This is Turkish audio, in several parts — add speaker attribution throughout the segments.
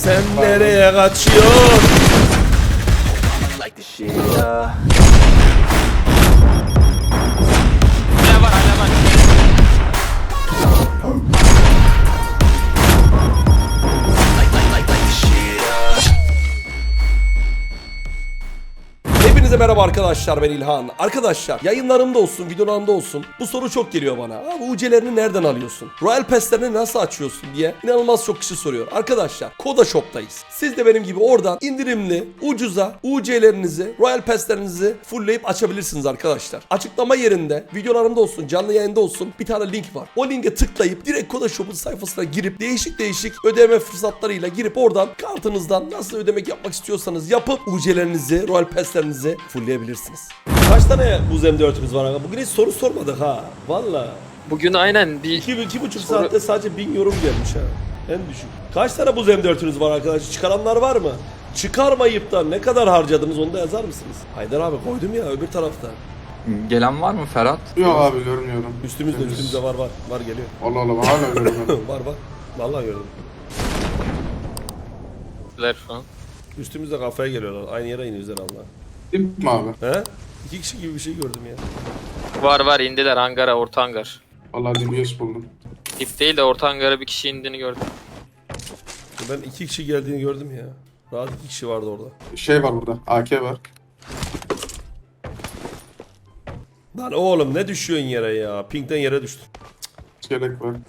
Speaker 1: Sen nereye kaçıyorsun?
Speaker 2: Like the shit, yeah.
Speaker 3: Hala var hala var.
Speaker 2: Like the shit, yeah.
Speaker 1: Hepinize merhaba arkadaşlar, ben İlhan. Arkadaşlar yayınlarımda olsun, videolarımda olsun bu soru çok geliyor bana. Abi UC'lerini nereden alıyorsun? Royal Pass'lerini nasıl açıyorsun diye inanılmaz çok kişi soruyor. Arkadaşlar Koda Shop'tayız. Siz de benim gibi oradan indirimli, ucuza UC'lerinizi, Royal Pass'lerinizi fullleyip açabilirsiniz arkadaşlar. Açıklama yerinde, videolarımda olsun, canlı yayında olsun bir tane link var. O linke tıklayıp direkt Koda Shop'un sayfasına girip değişik ödeme fırsatlarıyla girip oradan kartınızdan nasıl ödemek yapmak istiyorsanız yapıp UC'lerinizi, Royal Pass'lerinizi fullleyebilirsiniz. Kaç tane buz M4'ümüz var aga? Bugün hiç soru sormadık ha. Valla.
Speaker 3: Bugün aynen bir
Speaker 1: 2,5 saatte sadece 1000 yorum gelmiş ha. En düşük. Kaç tane buz M4'ünüz var arkadaşlar? Çıkaranlar var mı? Çıkarmayıp da ne kadar harcadınız onu da yazar mısınız? Haydar abi koydum ya öbür tarafta.
Speaker 4: Gelen var mı Ferhat?
Speaker 5: Yok abi görmüyorum.
Speaker 1: Üstümüzde var geliyor.
Speaker 5: Allah Allah hala görmüyorum.
Speaker 1: var. Vallahi gördüm.
Speaker 3: falan.
Speaker 1: Üstümüzde kafaya geliyorlar. Aynı yere iniyoruz herhalde.
Speaker 5: Dip mi abi?
Speaker 1: He? 2 kişi gibi bir şey gördüm ya.
Speaker 3: Var indiler hangara, orta hangar.
Speaker 5: Vallahi DBS buldum.
Speaker 3: Dip değil de orta hangara bir kişi indiğini gördüm.
Speaker 1: Ben 2 kişi geldiğini gördüm ya. Rahat 2 kişi vardı orada.
Speaker 5: Şey var burada. AK var.
Speaker 1: Lan oğlum ne düşüyorsun yere ya? Pink'ten yere düştün.
Speaker 5: İskelek var.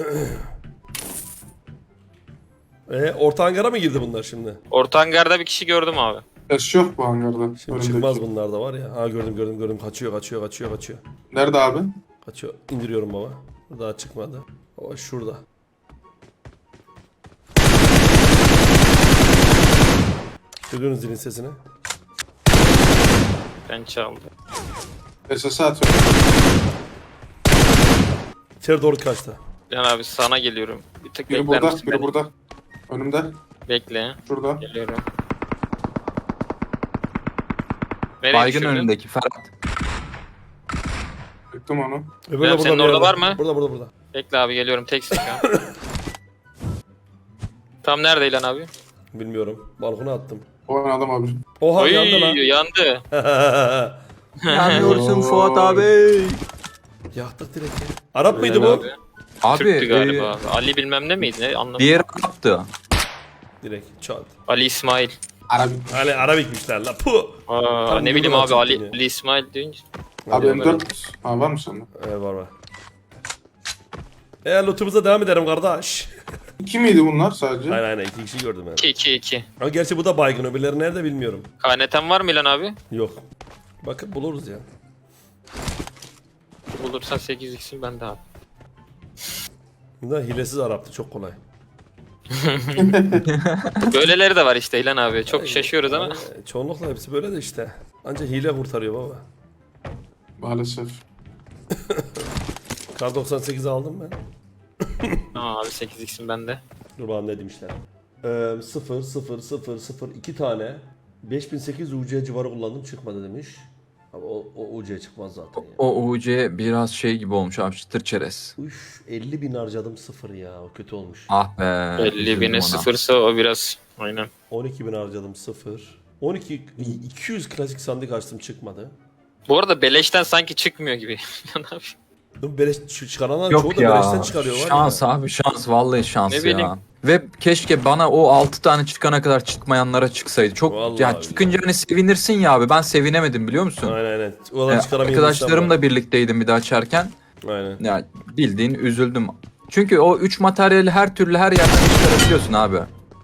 Speaker 1: Orta hangara mı girdi bunlar şimdi?
Speaker 3: Orta hangarda bir kişi gördüm abi.
Speaker 5: Ses yok bu hangarda.
Speaker 1: Şimdi
Speaker 5: Önümdeki.
Speaker 1: çıkmaz bunlar da var ya. Ha gördüm. Kaçıyor.
Speaker 5: Nerede abi?
Speaker 1: Kaçıyor. İndiriyorum baba. Daha çıkmadı. O şurada. Duydunuz zilin sesini.
Speaker 3: Ben çaldım.
Speaker 5: SS atıyorum.
Speaker 1: İçeri doğru kaçtı.
Speaker 3: Can abi sana geliyorum. Bir tık
Speaker 5: Biri
Speaker 3: bekler
Speaker 5: burada,
Speaker 3: misin
Speaker 5: biri
Speaker 3: beni?
Speaker 5: burada. Önümde.
Speaker 3: Bekle.
Speaker 5: Şurada.
Speaker 3: Geliyorum. Nereye
Speaker 4: Baygın
Speaker 3: düşürdün?
Speaker 4: önündeki Ferhat.
Speaker 5: Yıktım onu.
Speaker 1: Öbürü
Speaker 3: Ya senin
Speaker 1: bir
Speaker 3: orada
Speaker 1: yerde.
Speaker 3: var mı?
Speaker 1: Burada.
Speaker 3: Bekle abi geliyorum tek sıkıyorum. Tam nerede İlhan abi?
Speaker 1: Bilmiyorum. Balkona attım.
Speaker 5: O adam abi.
Speaker 1: Oha
Speaker 3: Oy
Speaker 1: yandı lan.
Speaker 3: yandı.
Speaker 4: Yanıyorsun Fuat abi.
Speaker 1: Yaktık direkt ya. Arap mıydı
Speaker 3: Helal
Speaker 1: bu?
Speaker 3: abi.
Speaker 4: Abi
Speaker 3: Türktü galiba. Ali bilmem ne miydi? Ne anlamadım.
Speaker 4: bir yere yaptı.
Speaker 1: Direkt çat.
Speaker 3: Ali İsmail.
Speaker 5: Arabi.
Speaker 1: Hani Arabikmişler la. Puh.
Speaker 3: Aa,
Speaker 1: Tam
Speaker 3: ne bileyim
Speaker 1: yoldan
Speaker 3: abi Ali,
Speaker 1: çıktın ya.
Speaker 3: Ali İsmail deyince.
Speaker 5: Abi
Speaker 1: Hadi bakalım.
Speaker 5: M4. Ha var mı sende?
Speaker 1: Evet var. Lootumuza devam edelim kardeş.
Speaker 5: 2 miydi bunlar sadece?
Speaker 1: Aynen 2 kişi gördüm yani.
Speaker 3: 2-2-2.
Speaker 1: Ama gerçi bu da baygın, öbürleri nerede bilmiyorum.
Speaker 3: KNT'm var mı İlhan abi?
Speaker 1: Yok. Bakın buluruz ya.
Speaker 3: Bulursan 8x'in bende abi.
Speaker 1: Bunlar hilesiz Arap'tı, çok kolay.
Speaker 3: Böyleleri de var işte İlhan abi. Çok şaşıyoruz ama.
Speaker 1: Çoğunlukla hepsi böyle de işte. Ancak hile kurtarıyor baba.
Speaker 5: Maalesef.
Speaker 1: Kar 98 aldım ben.
Speaker 3: Aa abi 8x'in bende.
Speaker 1: Dur bakalım ne demişler. 0 2 tane 5800 UC civarı kullandım, çıkmadı demiş. Abi o UC çıkmaz zaten ya.
Speaker 4: O UC biraz şey gibi olmuş abi, çıtır çerez.
Speaker 1: Üf 50.000 harcadım, sıfır ya, o kötü olmuş.
Speaker 4: Ah be.
Speaker 3: 50
Speaker 4: üzüldüm
Speaker 3: bine
Speaker 4: ona.
Speaker 3: sıfırsa o biraz. Aynen.
Speaker 1: 12.000 harcadım, sıfır. 200 klasik sandık açtım, çıkmadı.
Speaker 3: Bu arada beleşten sanki çıkmıyor gibi. İlhan abi.
Speaker 1: Beleş çıkaranlar çoğu
Speaker 4: Yok
Speaker 1: da beleşten
Speaker 4: ya.
Speaker 1: çıkarıyor var
Speaker 4: Şans
Speaker 1: ya.
Speaker 4: abi, şans, vallahi şans
Speaker 3: Ne
Speaker 4: ya.
Speaker 3: bileyim.
Speaker 4: Ve keşke bana o 6 tane çıkana kadar çıkmayanlara çıksaydı. Çok
Speaker 1: Vallahi
Speaker 4: ya
Speaker 1: billahi.
Speaker 4: çıkınca hani sevinirsin ya abi. Ben sevinemedim biliyor musun?
Speaker 1: Aynen. Olan çıkaramayan
Speaker 4: Arkadaşlarımla birlikteydim bir de açarken.
Speaker 1: insan var. Aynen.
Speaker 4: Ya bildiğin üzüldüm. Çünkü o 3 materyali her türlü her yerden çıkarabiliyorsun abi.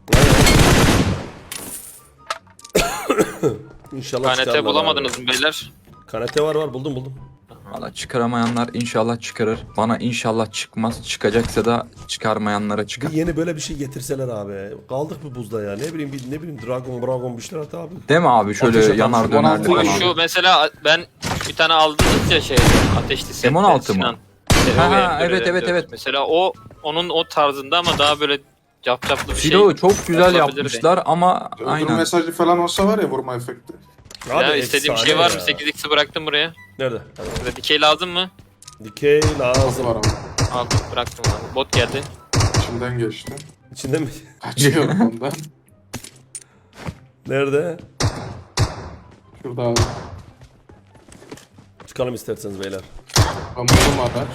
Speaker 1: İnşallah
Speaker 3: KNT
Speaker 1: çıkarlar
Speaker 3: bulamadınız
Speaker 1: abi.
Speaker 3: mı beyler?
Speaker 1: KNT var buldum.
Speaker 4: Valla çıkaramayanlar inşallah çıkarır. Bana inşallah çıkmaz. Çıkacaksa da çıkarmayanlara çıkar.
Speaker 1: Bir yeni böyle bir şey getirseler abi. Kaldık bu buzda ya. Ne bileyim Dragon bir şeyler at abi.
Speaker 4: Değil mi abi? Şöyle
Speaker 1: Ateş
Speaker 4: yanar
Speaker 1: atan
Speaker 4: dönerli
Speaker 1: şu-
Speaker 3: Bu
Speaker 4: falan.
Speaker 3: şu mesela ben bir tane aldınız ya şey ateşli set.
Speaker 4: M16 mı? Ha, evet.
Speaker 3: Mesela onun o tarzında ama daha böyle capcaplı bir şey.
Speaker 4: Filo çok güzel
Speaker 3: yapılabilirdi.
Speaker 4: yapmışlar ama
Speaker 5: Öldürme
Speaker 4: aynen.
Speaker 5: mesajı falan olsa var ya, vurma efekti.
Speaker 3: Ya istediğim
Speaker 1: efsane
Speaker 3: şey var
Speaker 1: ya.
Speaker 3: mı? 8x'i bıraktım buraya.
Speaker 1: Nerede?
Speaker 3: Burada dikey lazım mı?
Speaker 1: Dikey
Speaker 5: Nasıl
Speaker 1: lazım.
Speaker 5: var ama.
Speaker 3: Aldım bıraktım abi. Bot geldi.
Speaker 5: İçinden geçti.
Speaker 1: İçinde mi?
Speaker 5: Kaçıyorum ondan.
Speaker 1: Nerede?
Speaker 5: Şurada abi.
Speaker 1: Çıkalım isterseniz beyler.
Speaker 5: Kamuoyu araç.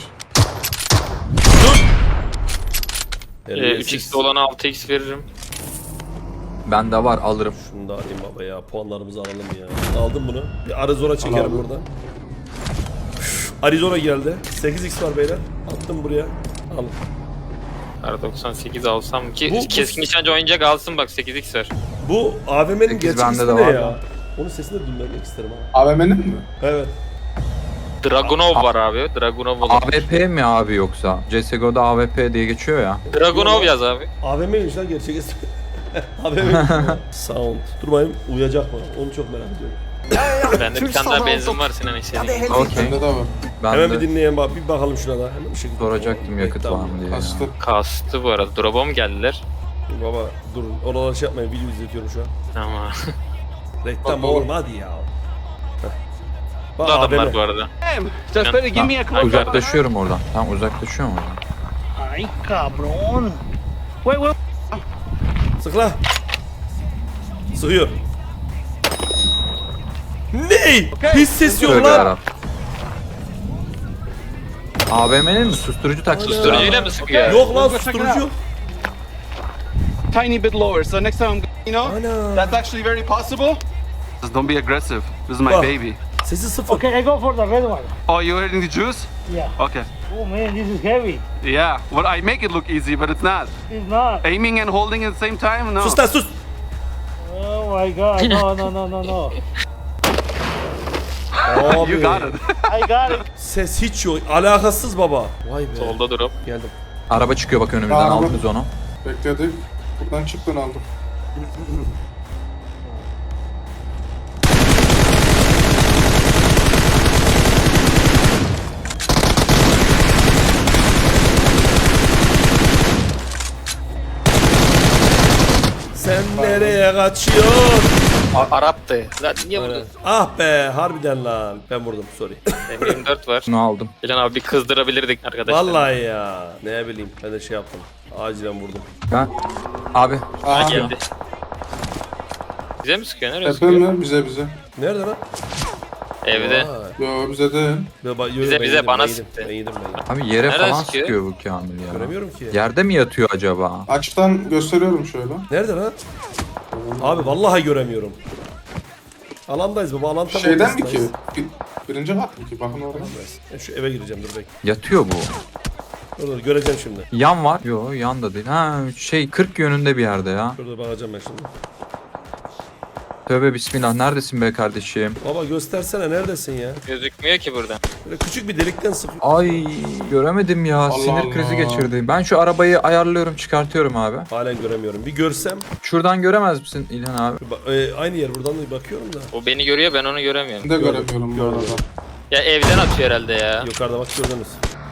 Speaker 3: 3x olana 6x veririm.
Speaker 4: Bende var alırım.
Speaker 1: Şunu da alayım baba ya. Puanlarımızı alalım ya. Aldım bunu. Bir Arizona çekerim
Speaker 5: abi.
Speaker 1: buradan. Arizona geldi. 8x var beyler. Attım buraya. Al.
Speaker 3: R98 alsam ki
Speaker 1: Bu-
Speaker 3: keskin nişancı oyuncak alsın bak 8x ver.
Speaker 1: Bu AVM'nin
Speaker 4: 8
Speaker 1: gerçek
Speaker 4: bende
Speaker 1: ismi
Speaker 4: de
Speaker 1: ne
Speaker 4: var
Speaker 1: ya?
Speaker 4: da.
Speaker 1: Onun sesini de dinlemek isterim abi.
Speaker 5: AVM'nin mi?
Speaker 1: Evet.
Speaker 3: Dragunov var abi. Dragunov olur.
Speaker 4: AWP mi abi yoksa? CSGO'da AWP diye geçiyor ya.
Speaker 3: Dragunov yaz abi.
Speaker 1: AVM'ymiş lan gerçek ismi. AVM'ymiş. Sound. Dur bakayım uyuyacak mı? Onu çok merak ediyorum.
Speaker 3: Bende bir tane daha benzin var Sinan istediğin.
Speaker 4: Okey.
Speaker 5: Bende de var.
Speaker 4: Ben
Speaker 1: Hemen
Speaker 4: de
Speaker 1: bir dinleyelim bak. Bir bakalım şuna da. Hemen bir şekilde.
Speaker 4: soracaktım yakıt
Speaker 1: Reklam.
Speaker 4: var mı diye. ya.
Speaker 5: Kastı.
Speaker 3: Kastı bu arada. Drop'a mı geldiler?
Speaker 1: Dur baba durun. Oraları şey yapmayın. Video izletiyorum şu an.
Speaker 3: Ama
Speaker 1: Reklam
Speaker 5: Bak,
Speaker 1: oğlum hadi ya. Heh. Bak
Speaker 3: bu adamlar
Speaker 1: AVM.
Speaker 3: bu arada.
Speaker 6: Just better give me a call.
Speaker 4: Uzaklaşıyorum oradan. Tamam uzaklaşıyorum oradan.
Speaker 6: Ay cabrón. Wait, wait.
Speaker 1: Sık la. Sıkıyor. Ney? Hiç ses yok
Speaker 4: Tövbe
Speaker 1: lan.
Speaker 4: yarabbim. AVM'nin mi? Susturucu taktı.
Speaker 3: Susturucuyla mı sıkıyor?
Speaker 1: Yok lan
Speaker 6: Check it
Speaker 1: susturucu
Speaker 6: out.
Speaker 1: yok.
Speaker 6: Tiny bit lower. So next time I'm,
Speaker 1: Ana.
Speaker 6: that's actually very possible.
Speaker 7: Just don't be aggressive. This is my
Speaker 1: Bak.
Speaker 7: baby.
Speaker 1: Sesi sıfır.
Speaker 8: Okay, I go for the red one.
Speaker 7: Oh, you're hitting the juice?
Speaker 8: Yeah.
Speaker 7: Okay.
Speaker 8: Oh man, this is heavy.
Speaker 7: Yeah. Well, I make it look easy, but it's not.
Speaker 8: It's not.
Speaker 7: Aiming and holding at the same time? No.
Speaker 1: Sus lan sus.
Speaker 8: Oh my god. No, no, no, no, no.
Speaker 1: Abi.
Speaker 7: You got it.
Speaker 8: I got it.
Speaker 1: Ses hiç yok. Alakasız baba. Vay be.
Speaker 3: Solda drop.
Speaker 1: Geldim.
Speaker 4: Araba çıkıyor bak önümüzden
Speaker 5: Araba.
Speaker 4: aldınız onu.
Speaker 5: Bekledik. Buradan çıktın aldım.
Speaker 1: Sen nereye kaçıyorsun?
Speaker 3: Arap'tı. Lan niye
Speaker 1: Aynen.
Speaker 3: vurdun?
Speaker 1: Ah be harbiden lan. Ben vurdum sorry.
Speaker 3: M24 var.
Speaker 4: Bunu aldım.
Speaker 3: Can abi bir kızdırabilirdik arkadaşlar.
Speaker 1: Vallahi ya. Ne bileyim ben de şey yaptım. Acilen vurdum.
Speaker 4: Ben abi
Speaker 3: Ha,
Speaker 5: Aha.
Speaker 3: geldi. Bize mi sıkıyor? Nereye
Speaker 5: Tepe
Speaker 3: sıkıyor?
Speaker 5: mi? Bize.
Speaker 1: Nerede lan?
Speaker 3: Evde.
Speaker 1: Vay.
Speaker 5: Yo bize de.
Speaker 3: Bize, bana sıktı.
Speaker 1: Ben yedim.
Speaker 4: abi yere
Speaker 3: Nereden
Speaker 4: falan
Speaker 3: sıkıyor?
Speaker 4: sıkıyor bu Kamil ya.
Speaker 1: Göremiyorum ki.
Speaker 4: Yerde mi yatıyor acaba?
Speaker 5: Açıktan gösteriyorum şöyle.
Speaker 1: Nerede lan? Abi vallahi göremiyorum. Alandayız baba. Alan tam
Speaker 5: Şeyden mi ki?
Speaker 1: ortasındayız.
Speaker 5: Birinci kat mı ki? Bakın oraya.
Speaker 1: Ben şu eve gireceğim dur bekle.
Speaker 4: Yatıyor bu.
Speaker 1: Dur göreceğim şimdi.
Speaker 4: Yan var. Yo yan da değil. Ha 40 yönünde bir yerde ya.
Speaker 1: Şurada bakacağım ben şimdi.
Speaker 4: Tövbe bismillah. Neredesin be kardeşim?
Speaker 1: Baba göstersene neredesin ya?
Speaker 3: Gözükmüyor ki buradan.
Speaker 1: Böyle küçük bir delikten sıkıyor.
Speaker 4: Ay göremedim ya.
Speaker 5: Allah
Speaker 4: Sinir krizi
Speaker 5: Allah.
Speaker 4: geçirdi. Ben şu arabayı ayarlıyorum, çıkartıyorum abi.
Speaker 1: Halen göremiyorum. Bir görsem.
Speaker 4: Şuradan göremez misin İlhan abi?
Speaker 1: Aynı yer buradan da bakıyorum da.
Speaker 3: O beni görüyor ben onu göremiyorum.
Speaker 5: Ben de göremiyorum bu arada.
Speaker 3: Ya evden atıyor herhalde ya.
Speaker 1: Yukarıda bak gördünüz.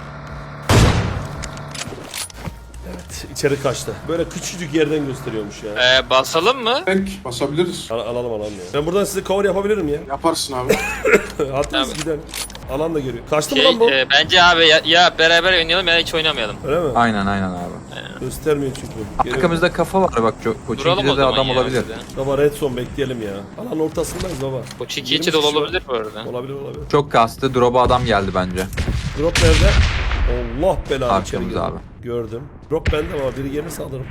Speaker 1: Evet içeri kaçtı. Böyle küçücük yerden gösteriyormuş ya.
Speaker 3: Basalım mı?
Speaker 5: Tek basabiliriz.
Speaker 1: Alalım ya. Ben buradan size cover yapabilirim ya.
Speaker 5: Yaparsın abi.
Speaker 1: Hatta
Speaker 3: Tabii.
Speaker 1: gidelim. Alan da görüyor. Kaçtı mı lan bu?
Speaker 3: Bence abi ya beraber oynayalım ya hiç oynamayalım.
Speaker 1: Öyle mi?
Speaker 4: Aynen abi.
Speaker 1: Göstermiyor çünkü. Geliyor.
Speaker 4: Arkamızda kafa var bak.
Speaker 3: Duralım o
Speaker 4: Koçinki'de de
Speaker 3: zaman
Speaker 4: adam
Speaker 3: ya
Speaker 4: olabilir.
Speaker 3: bizde.
Speaker 1: Baba red zone bekleyelim ya. Alan ortasındayız baba.
Speaker 3: Bu çiki
Speaker 1: 20
Speaker 3: içi dolu
Speaker 1: kişi var.
Speaker 3: olabilir bu arada.
Speaker 1: Olabilir.
Speaker 4: Çok kastı. Drop'a adam geldi bence.
Speaker 1: Drop nerede? Allah belanı içeri
Speaker 4: Arkamız
Speaker 1: girdi.
Speaker 4: abi.
Speaker 1: Gördüm. Drop bende ama biri gelirse alırım.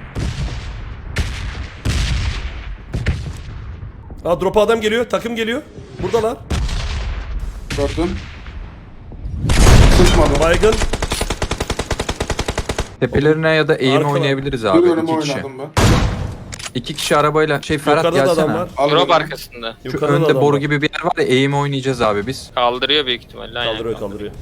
Speaker 1: Aa drop'a adam geliyor. Takım geliyor. Buradalar.
Speaker 5: Gördün. Sıkmadı.
Speaker 1: Baygın.
Speaker 4: Tepelerine ya da eğim
Speaker 1: Arkada.
Speaker 4: oynayabiliriz
Speaker 5: Bir
Speaker 4: abi.
Speaker 5: önüme
Speaker 4: 2 kişi.
Speaker 5: oynadım ben.
Speaker 4: 2 kişi arabayla. Ferhat
Speaker 1: Yukarıda da adam
Speaker 4: gelsene.
Speaker 1: var.
Speaker 5: Al
Speaker 3: Drop
Speaker 5: beni.
Speaker 3: arkasında.
Speaker 4: Şu
Speaker 1: Yukarıda da
Speaker 4: önde
Speaker 1: adam
Speaker 4: boru
Speaker 1: var.
Speaker 4: gibi bir yer var ya eğim oynayacağız abi biz.
Speaker 3: Kaldırıyor büyük ihtimalle. Aynen.
Speaker 1: Kaldırıyor.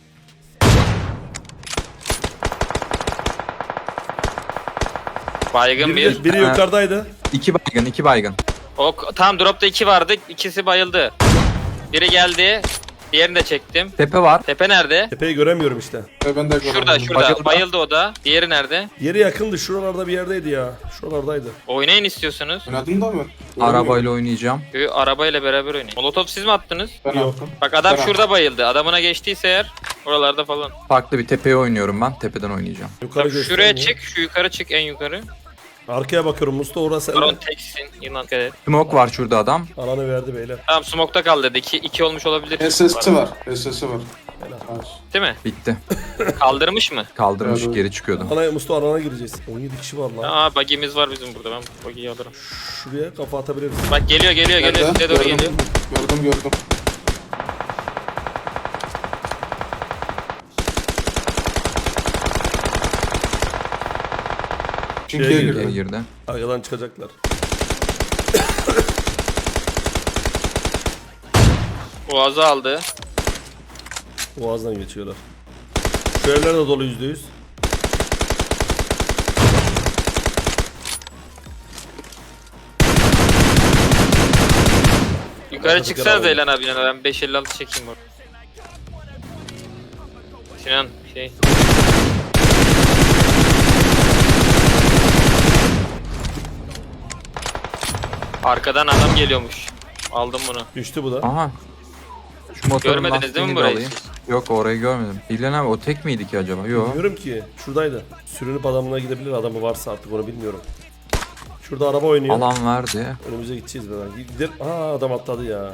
Speaker 3: Baygın bir.
Speaker 1: Biri yukarıdaydı.
Speaker 4: 2 baygın.
Speaker 3: Tam dropta 2 vardı. İkisi bayıldı. Biri geldi. Diğerini de çektim.
Speaker 4: Tepe var.
Speaker 3: Tepe nerede?
Speaker 1: Tepeyi göremiyorum işte.
Speaker 5: Ben de görmedim.
Speaker 3: Şurada.
Speaker 4: Bayıldı.
Speaker 3: Bayıldı o da. Diğeri nerede?
Speaker 1: Yeri yakındı. Şuralarda bir yerdeydi ya. Şuralardaydı.
Speaker 3: Oynayın istiyorsunuz.
Speaker 5: Oynadın da mı?
Speaker 4: Arabayla oynayacağım.
Speaker 3: Arabayla beraber oynayın. Molotov siz mi attınız?
Speaker 5: Ben
Speaker 1: Yok.
Speaker 5: attım.
Speaker 3: Bak adam
Speaker 5: Ben
Speaker 3: şurada bayıldı. Adamına geçtiyse eğer oralarda falan.
Speaker 4: Farklı bir tepeye oynuyorum ben. Tepeden oynayacağım.
Speaker 1: Yukarı
Speaker 3: Bak, şuraya
Speaker 1: göstermiyor.
Speaker 3: çık. Şu yukarı çık en yukarı.
Speaker 1: Arkaya bakıyorum Mustafa, orası
Speaker 3: Baron
Speaker 1: sende.
Speaker 3: teksin. Yılan dikkat et.
Speaker 4: Smoke var şurada adam.
Speaker 1: Alanı verdi beyler.
Speaker 3: Tamam smoke'ta kal dedi. 2 olmuş olabilir.
Speaker 5: SS'i var. SS'i var. Nice.
Speaker 3: Değil mi?
Speaker 4: Bitti.
Speaker 3: Kaldırmış mı?
Speaker 4: Kaldırmış
Speaker 5: Evet.
Speaker 4: geri çıkıyordu.
Speaker 1: Mustafa alana gireceğiz. 17 kişi var lan.
Speaker 3: Aa buggy'miz var bizim burada. Ben buggy'yi alırım.
Speaker 1: Şuraya kafa atabiliriz.
Speaker 3: Bak geliyor
Speaker 5: Nerede?
Speaker 3: size doğru geliyor.
Speaker 5: Gördüm. Çinkiye
Speaker 1: Şeye
Speaker 4: Geri
Speaker 5: girdi.
Speaker 4: girdi.
Speaker 1: Arkadan çıkacaklar.
Speaker 3: Boğazı aldı.
Speaker 1: Boğazdan geçiyorlar. Şu evler de dolu %100.
Speaker 3: Yukarı
Speaker 1: Başka
Speaker 3: çıksanız
Speaker 1: bir
Speaker 3: Elan abi. Ben 556 çekeyim orada. Sinan şey. Arkadan adam geliyormuş. Aldım bunu.
Speaker 1: Düştü bu da.
Speaker 4: Aha. Şu motorun
Speaker 3: Görmediniz değil mi
Speaker 4: lastiğini de
Speaker 3: burayı
Speaker 4: alayım.
Speaker 3: siz?
Speaker 4: Yok orayı görmedim. İlhan abi o tek miydi ki acaba? Yok.
Speaker 1: Bilmiyorum ki. Şuradaydı. Sürünüp adamına gidebilir, adamı varsa artık onu bilmiyorum. Şurada araba oynuyor.
Speaker 4: Alan verdi.
Speaker 1: Önümüze gideceğiz ben. Gidelim. Aa adam atladı ya.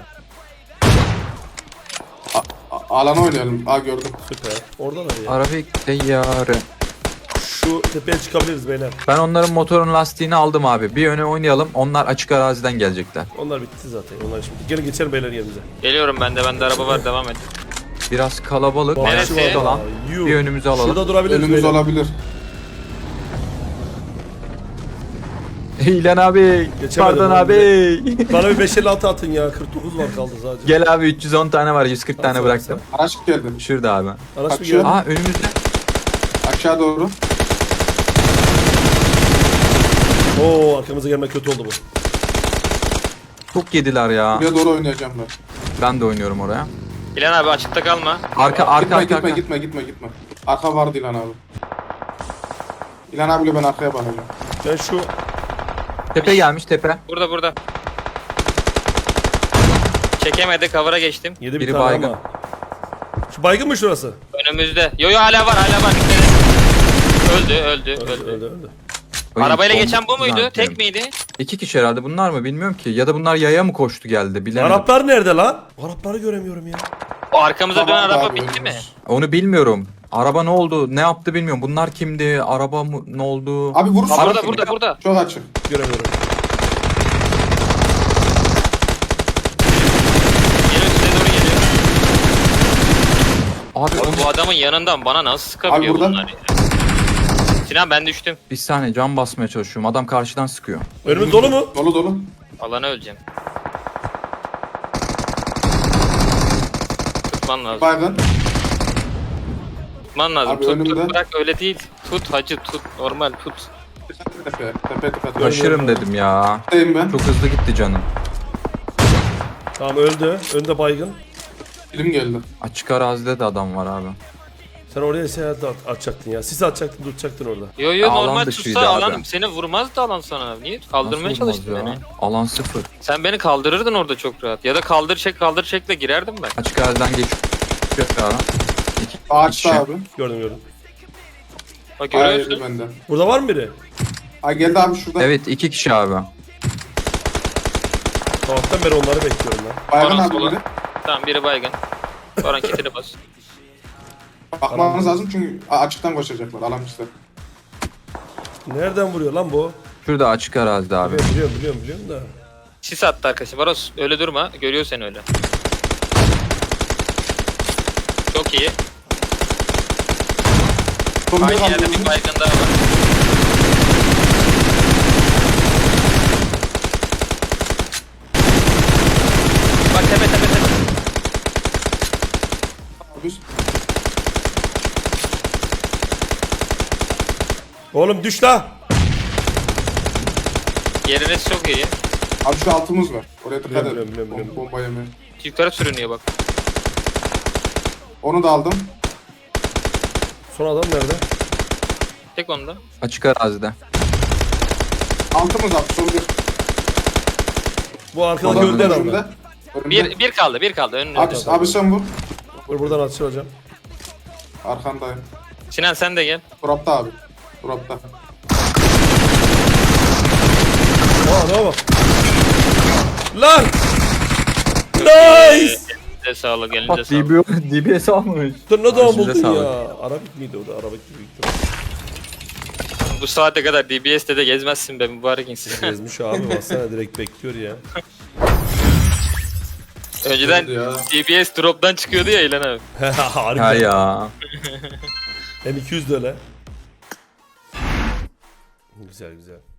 Speaker 5: Alana oynayalım. Gördüm.
Speaker 1: Süper. Oradalar ya.
Speaker 4: Arabik teyyarı.
Speaker 1: Şu tepeye çıkabiliriz beyler.
Speaker 4: Ben onların motorun lastiğini aldım abi. Bir öne oynayalım. Onlar açık araziden gelecekler.
Speaker 1: Onlar bitti zaten. Onlar şimdi. Gelin geçelim beyler yerimize.
Speaker 3: Geliyorum ben de. Bende araba var. Devam et.
Speaker 4: Biraz kalabalık.
Speaker 3: Neresi?
Speaker 1: Bahçı var
Speaker 4: Alan.
Speaker 1: da. Yuh.
Speaker 4: Bir önümüze alalım.
Speaker 1: Şurada durabiliriz
Speaker 5: Önümüz
Speaker 1: beyler.
Speaker 5: olabilir.
Speaker 4: İlhan abi.
Speaker 1: Geçemedim
Speaker 4: Pardon
Speaker 1: abi.
Speaker 4: abi.
Speaker 1: Bana bir 556 atın ya. 49 var kaldı sadece.
Speaker 4: Gel abi 310 tane var. 140 tane
Speaker 1: Atsana
Speaker 4: bıraktım.
Speaker 5: Araç geldi.
Speaker 4: Şurada abi.
Speaker 1: Araç mı
Speaker 5: Kaçıyor.
Speaker 1: geldi?
Speaker 4: Önümüzde.
Speaker 5: Aşağı doğru.
Speaker 1: Oo arkamıza gelme kötü oldu bu.
Speaker 4: Çok yediler ya.
Speaker 5: Buraya doğru oynayacağım ben.
Speaker 4: Ben de oynuyorum oraya.
Speaker 3: İlhan abi açıkta kalma.
Speaker 4: Arka
Speaker 5: Gitme. Arka vardı İlhan abi. İlhan abiyle ben arkaya bakacağım.
Speaker 1: Ben şu
Speaker 4: Tepe gelmiş tepe.
Speaker 3: Burada. Çekemedi. Cover'a geçtim.
Speaker 1: 7 bir
Speaker 4: Biri
Speaker 1: tane
Speaker 4: baygın.
Speaker 1: ama. Şu baygın mı şurası?
Speaker 3: Önümüzde. Yo hala var. Dikkat et. Öldü.
Speaker 4: Ay,
Speaker 3: Arabayla
Speaker 4: bomba
Speaker 3: geçen bu muydu?
Speaker 4: zannettim.
Speaker 3: Tek miydi?
Speaker 4: 2 kişi herhalde bunlar mı bilmiyorum ki. Ya da bunlar yaya mı koştu geldi bilemedim.
Speaker 1: Araplar nerede lan? Arapları göremiyorum ya.
Speaker 3: O arkamıza dönen
Speaker 5: Tamam,
Speaker 3: araba
Speaker 5: abi,
Speaker 3: bitti mi?
Speaker 5: önümüz.
Speaker 4: Onu bilmiyorum. Araba ne oldu? Ne yaptı bilmiyorum. Bunlar kimdi? Araba mı ne oldu?
Speaker 5: Abi vurursun.
Speaker 3: Burada.
Speaker 5: Çok açık.
Speaker 1: Göremiyorum.
Speaker 3: Geliyor size doğru geliyor.
Speaker 4: Abi
Speaker 3: Oğlum,
Speaker 4: onu...
Speaker 3: bu adamın yanından bana nasıl sıkabiliyor
Speaker 5: Abi burada.
Speaker 3: bunlar ya? Sinan ben düştüm.
Speaker 4: Bir saniye cam basmaya çalışıyorum. Adam karşıdan sıkıyor.
Speaker 1: Önümüz dolu mu?
Speaker 5: Dolu.
Speaker 3: Alana öleceğim. Tutman lazım.
Speaker 5: Baygın.
Speaker 3: Tutman lazım.
Speaker 5: Abi
Speaker 3: Tut
Speaker 5: önümde.
Speaker 3: bırak öyle değil. Tut hacı tut. Normal tut.
Speaker 5: Tepe.
Speaker 4: Taşırım dedim ya.
Speaker 5: Buradayım ben.
Speaker 4: Çok hızlı gitti canım.
Speaker 1: Tamam öldü. Önde baygın.
Speaker 5: Film geldi.
Speaker 4: Açık arazide de adam var abi.
Speaker 1: Sen oraya seyahat atacaktın ya. Sis atacaktın, tutacaktın orada.
Speaker 3: Yo
Speaker 4: Alan
Speaker 3: normal
Speaker 4: dışıydı
Speaker 3: tutsa
Speaker 4: abi.
Speaker 3: alanım. Seni vurmaz da alan sana. Niye? Kaldırmaya
Speaker 4: Nasıl olmaz
Speaker 3: çalıştın
Speaker 4: ya?
Speaker 3: beni.
Speaker 4: Alan 0.
Speaker 3: Sen beni kaldırırdın orada çok rahat. Ya da kaldır çekle girerdim ben.
Speaker 4: Açık araziden geçiyor ya.
Speaker 5: Ağaçta abi.
Speaker 1: Gördüm.
Speaker 3: Bak
Speaker 5: Hayır
Speaker 3: görüyorsun.
Speaker 5: bende.
Speaker 1: Burada var mı biri?
Speaker 5: Geldi abi şurada.
Speaker 4: Evet 2 kişi abi.
Speaker 1: Sabahtan beri onları bekliyorum ben.
Speaker 5: Baygın
Speaker 3: Bana
Speaker 5: abi
Speaker 3: sola.
Speaker 5: biri.
Speaker 3: Tamam biri baygın. Baran kitini bas.
Speaker 5: Bakmamız lazım çünkü açıktan koşacaklar. Alan işte.
Speaker 1: Nereden vuruyor lan bu?
Speaker 4: Şurada açık arazide abi.
Speaker 1: Evet, biliyorum da.
Speaker 3: Sis attı arkadaşım. Varos öyle durma. Görüyor seni öyle. Çok iyi.
Speaker 5: Son bir
Speaker 3: Aynı yerde
Speaker 5: kaldı.
Speaker 3: bir baygın daha var. Bak tepe.
Speaker 5: Abi,
Speaker 1: Oğlum düş la.
Speaker 3: Yeriniz çok iyi.
Speaker 5: Abi şu altımız var. Oraya dikkat
Speaker 1: Biliyorum,
Speaker 5: edin.
Speaker 1: biliyorum.
Speaker 5: Bomba yemeği.
Speaker 3: Yukarı sürünüyor bak.
Speaker 5: Onu da aldım.
Speaker 1: Son adam nerede?
Speaker 3: Tek onda.
Speaker 4: Açık arazide.
Speaker 5: Altımız abi. Son bir.
Speaker 1: Bu arkadaki
Speaker 4: Adam
Speaker 1: öldü herhalde.
Speaker 5: Önümde. Önümde.
Speaker 3: Bir kaldı. Önüne.
Speaker 5: Abi sen vur.
Speaker 1: Dur buradan atışılacağım.
Speaker 5: Arkandayım.
Speaker 3: Sinan sen de gel.
Speaker 5: Turapta abi. Turapta.
Speaker 1: Aa ne bak. Lan. Nice.
Speaker 3: Elinize sağlık, elinize
Speaker 4: Bak
Speaker 3: sağlık.
Speaker 4: DBS almış.
Speaker 1: Dur ne zaman
Speaker 4: Elinize
Speaker 1: buldun
Speaker 4: sağlık.
Speaker 1: ya? Arabik miydi o da? Arabik gibi.
Speaker 3: Bu saate kadar DBS'de de gezmezsin be mübarek insan.
Speaker 1: Gezmiş abi baksana direkt bekliyor ya.
Speaker 3: Önceden
Speaker 5: Ya.
Speaker 3: DBS drop'tan çıkıyordu ya İlhan abi.
Speaker 4: Ha
Speaker 1: Harbiden.
Speaker 4: ya.
Speaker 1: M200 de öyle. Güzel güzel.